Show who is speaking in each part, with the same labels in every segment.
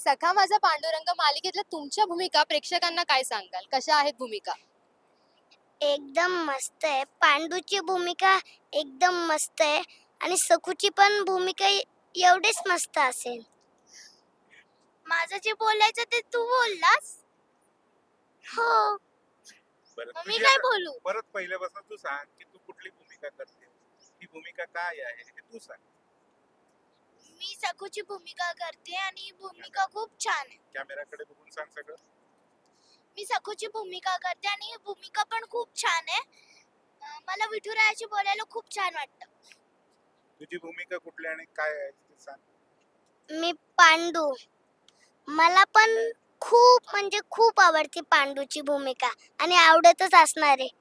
Speaker 1: सखा माझा पांडुरंग मालिकेतल्या तुमच्या भूमिका प्रेक्षकांना काय सांगाल? कशा आहेत भूमिका?
Speaker 2: एकदम मस्त आहे. पांडूची भूमिका एकदम मस्त आहे आणि सखूची पण भूमिका एवढीच मस्त असेल. माझं जे बोलायचं ते तू बोललास? हो.
Speaker 3: बरं
Speaker 2: मग मी
Speaker 3: तुझी
Speaker 2: काय
Speaker 3: आता
Speaker 2: बोलू?
Speaker 3: परत पहिल्यापासून तू सांग की तू कुठली भूमिका करते, ही भूमिका काय आहे हे तू सांग.
Speaker 2: मी सखूची भूमिका करते आणि ही भूमिका खूप छान आहे.
Speaker 3: कॅमेराकडे बघून सांग सगळं.
Speaker 2: मी सखूची भूमिका करते आणि ही भूमिका पण खूप छान आहे. मला विठुरायाची बोलायला खूप छान वाटतं.
Speaker 3: तुझी भूमिका कुठली आणि काय आहे ते सांग.
Speaker 2: मी पांडू. मला पण खूप म्हणजे खूप आवडते पांडूची भूमिका आणि आवडतच असणार आहे.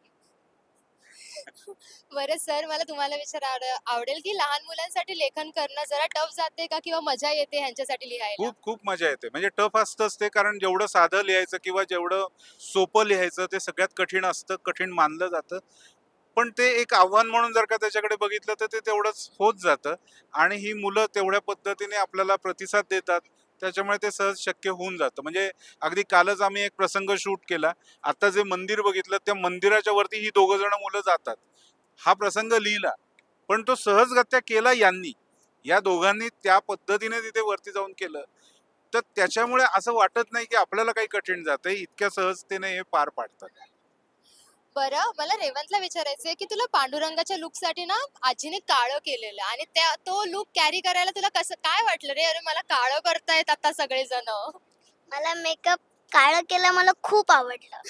Speaker 1: बरं सर, मला तुम्हाला आवडेल की लहान मुलांसाठी लेखन करणं जरा टफ जाते का किंवा मजा येते ह्यांच्यासाठी लिहायला?
Speaker 3: खूप खूप मजा येते. म्हणजे टफ असतंच ते, कारण जेवढं साधं लिहायचं किंवा जेवढं सोपं लिहायचं ते सगळ्यात कठीण असतं, कठीण मानलं जातं. पण ते एक आव्हान म्हणून जर का त्याच्याकडे बघितलं तर ते तेवढंच होत जातं आणि ही मुलं तेवढ्या पद्धतीने आपल्याला प्रतिसाद देतात. त्याच्यामुळे ते सहज शक्य होऊन जातं. म्हणजे अगदी कालच आम्ही एक प्रसंग शूट केला. आता जे मंदिर बघितलं त्या मंदिराच्या वरती ही दोघं जण मुलं जातात. हा प्रसंग लिहिला, पण तो सहजगत्या केला यांनी. या दोघांनी त्या पद्धतीने तिथे वरती जाऊन केलं. तर त्याच्यामुळे असं वाटत नाही की आपल्याला काही कठीण जातंय. इतक्या सहजतेने हे पार पाडतात.
Speaker 1: बरं, मला रेवंतला विचारायचंय की तुला पांडुरंगाच्या लूकसाठी ना आजीने काळं केलेलं आणि तो लूक कॅरी करायला तुला कसं काय वाटलं रे? अरे मला काळं करतायत आता सगळेजण.
Speaker 2: मला मेकअप काळं केलं मला खूप आवडलं.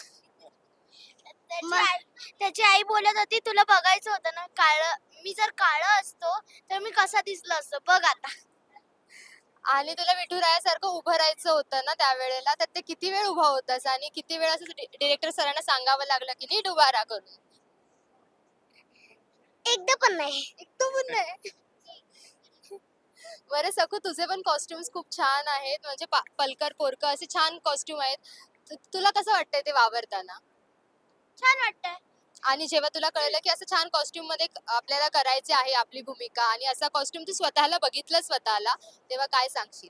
Speaker 2: त्याची आई बोलत होती तुला बघायचं होतं ना काळं. मी जर काळं असतो तर मी कसा दिसलो असतो बघ आता.
Speaker 1: आणि तुला विठुरायासारखं उभं राहायचं होतं ना त्यावेळेला, तर ते किती वेळ उभा होतास आणि किती वेळ असं डिरेक्टर सरांना सांगावं लागलं की नीट उभा राहा करून?
Speaker 2: एकदा पण नाही.
Speaker 1: एकदम पण नाही. बरं सखू, तुझे पण कॉस्ट्युम्स खूप छान आहेत. म्हणजे पलकर पोरकं असे छान कॉस्ट्युम आहेत. तुला कसं वाटतंय ते वावरताना?
Speaker 2: छान वाटतंय.
Speaker 1: आणि जेव्हा तुला कळलं की असं छान कॉस्ट्युम मध्ये आपल्याला करायची आहे आपली भूमिका आणि असा कॉस्ट्युम तू स्वतःला बघितलं स्वतःला, तेव्हा काय सांगशील?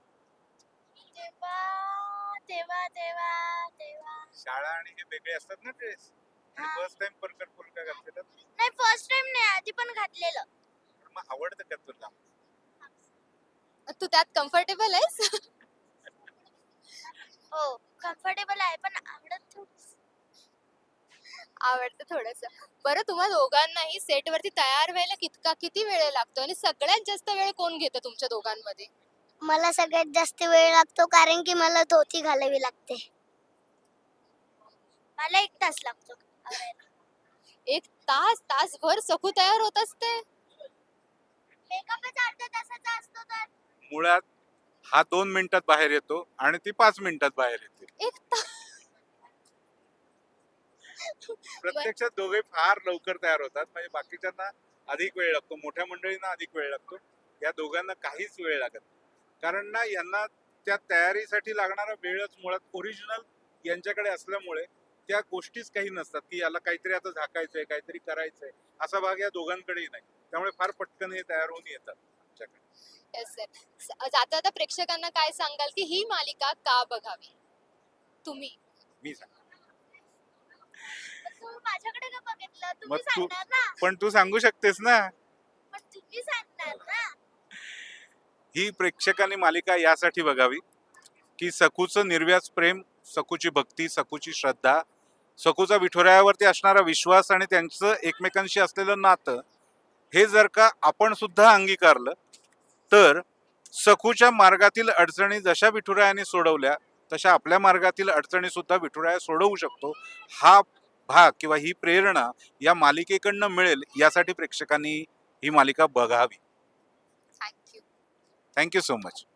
Speaker 2: तेव्हा तेव्हा तेव्हा तेव्हा
Speaker 3: शाळा आणि हे वेगळे असतात ना ड्रेस. आणि
Speaker 2: हा.
Speaker 3: फर्स्ट टाइम परकर फुलका घातलेला.
Speaker 2: नाही फर्स्ट टाइम नाही आधी पण घातलेलं.
Speaker 3: मग आवडतं का तुला?
Speaker 1: तू त्यात कम्फर्टेबल आहेस?
Speaker 2: हो कम्फर्टेबल आहे पण आवडत थोडंसं.
Speaker 1: आवडतं थोडंसं. बरं, तुम्हा दोघांनाही सेटवरती तयार व्हायला किती वेळ लागतो आणि सगळ्यात जास्त वेळ कोण घेतं तुमच्या दोघांमध्ये?
Speaker 2: मला सगळ्यात जास्त वेळ लागतो कारण की मला धोती घालावी लागते. मला 1 तास लागतो.
Speaker 1: 1 तास, तासभर सखू तयार होत असते?
Speaker 2: मेकअपच अर्ध्या तासाचा असतो तर.
Speaker 3: मुळात हा 2 मिनिटात बाहेर येतो आणि ती 5 मिनिटात बाहेर येते.
Speaker 1: 1 तास.
Speaker 3: प्रत्यक्षात दोघे फार लवकर तयार होतात. म्हणजे बाकीच्यांना अधिक वेळ लागतो, मोठ्या मंडळींना अधिक वेळ लागतो. या दोघांना काहीच वेळ लागत नाही. कारण ना यांना त्या तयारीसाठी लागणारा वेळच मुळात ओरिजिनल यांच्याकडे असल्यामुळे त्या गोष्टीच काही नसतात की याला काहीतरी आता झाकायचंय, काहीतरी करायचंय, असा भाग या दोघांकडेही नाही. त्यामुळे फार पटकन हे तयार होऊन येतात आमच्याकडे.
Speaker 1: Yes sir. जाता जाता प्रेक्षकांना काय सांगाल की ही मालिका का बघावी? तुम्ही.
Speaker 3: मी सांग.
Speaker 2: तू माझ्याकडे का बघितलं?
Speaker 3: मग
Speaker 2: तुम्ही
Speaker 3: तू
Speaker 2: सांगणार ना.
Speaker 3: पण तू सांगू शकतेस ना.
Speaker 2: पण तुम्ही सांगणार ना.
Speaker 3: ही प्रेक्षकांनी मालिका यासाठी बघावी की सखूचं निर्व्याज प्रेम, सखूची भक्ती, सखूची श्रद्धा, सखूचा विठुरायावरती असणारा विश्वास आणि त्यांचं एकमेकांशी असलेलं नातं हे जर का आपण सुद्धा अंगीकारलं तर सखूच्या मार्गातील अडचणी जशा विठुरायाने सोडवल्या तशा आपल्या मार्गातील अडचणी सुद्धा विठुराया सोडवू शकतो. हा भाग किंवा ही प्रेरणा या मालिकेकडनं मिळेल, यासाठी प्रेक्षकांनी ही मालिका बघावी.
Speaker 1: थँक्यू.
Speaker 3: Thank you so much.